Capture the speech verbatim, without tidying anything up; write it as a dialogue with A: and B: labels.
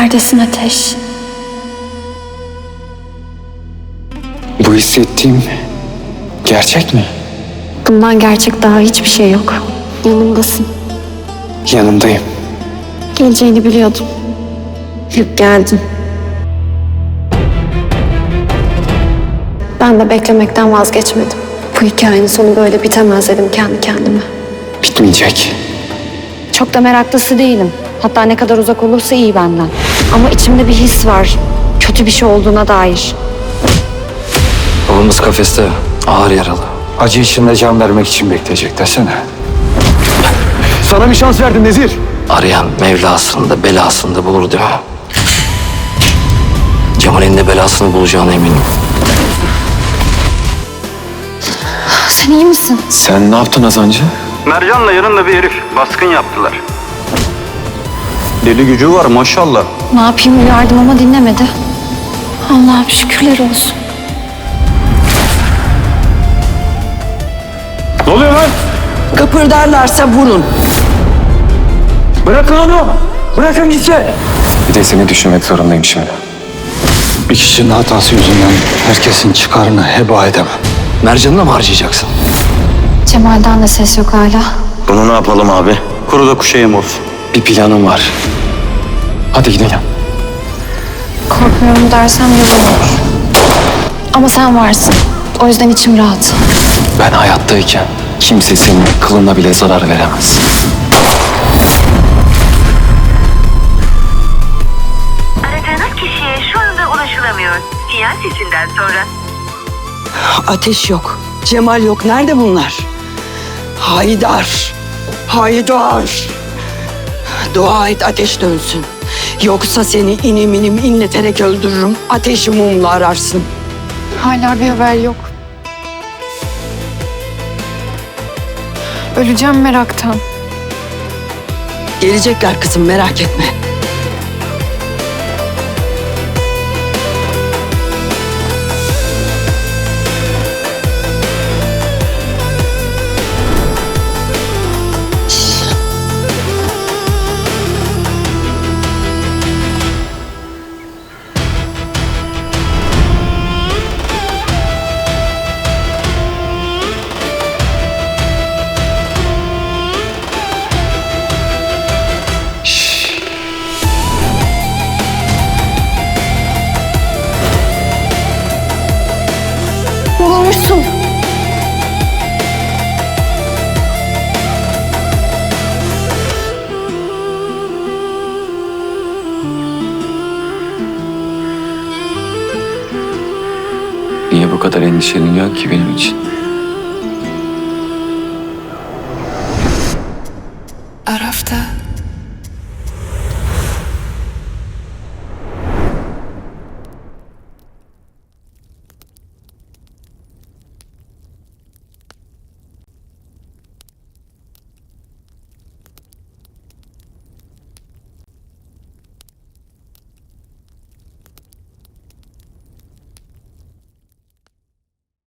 A: Neredesin Ateş?
B: Bu hissettiğim gerçek mi?
A: Bundan gerçek daha hiçbir şey yok. Yanımdasın.
B: Yanındayım.
A: Geleceğini biliyordum. Hep geldin. Ben de beklemekten vazgeçmedim. Bu hikayenin sonu böyle bitemez dedim kendi kendime.
B: Bitmeyecek.
A: Çok da meraklısı değilim. Hatta ne kadar uzak olursa iyi benden. Ama içimde bir his var. Kötü bir şey olduğuna dair.
C: Babamız kafeste, ağır yaralı. Acı içinde can vermek için bekleyecek desene.
B: Sana bir şans verdim Nezir.
C: Arayan Mevlasını da belasını da bulur değil mi? Cemal'in de belasını bulacağına eminim.
A: Sen iyi misin?
B: Sen ne yaptın Hazancı?
D: Mercan'la yanında bir herif baskın yaptılar. Deli gücü var maşallah.
A: Ne yapayım uyardım ama dinlemedi. Allah'ım şükürler olsun.
B: Ne oluyor lan?
E: Kıpırdarlarsa vurun.
B: Bırakın onu. Bırakın gitsin. Bir de seni düşünmek zorundayım şimdi.
C: Bir kişinin hatası yüzünden herkesin çıkarını heba edemem. Mercan'la mı harcayacaksın?
A: Cemal'den de ses yok hala.
D: Bunu ne yapalım abi? Kuru da kuşa yem olsun.
B: Bir planım var. Hadi gidelim.
A: Korkmuyorum dersem yalan olur. Ama sen varsın. O yüzden içim rahat.
B: Ben hayattayken kimse senin kılına bile zarar veremez.
F: Aradığınız kişiye şu anda ulaşılamıyor. Sinyal sesinden sonra
E: Ateş yok. Cemal yok. Nerede bunlar? Haydar. Haydar. Dua et Ateş dönsün. Yoksa seni inim inim inleterek öldürürüm. Ateşi mumla ararsın.
G: Hala bir haber yok. Öleceğim meraktan.
E: Gelecekler kızım, merak etme.
A: Bulmuşsun.
B: Niye bu kadar endişeleniyorsun ki benim için?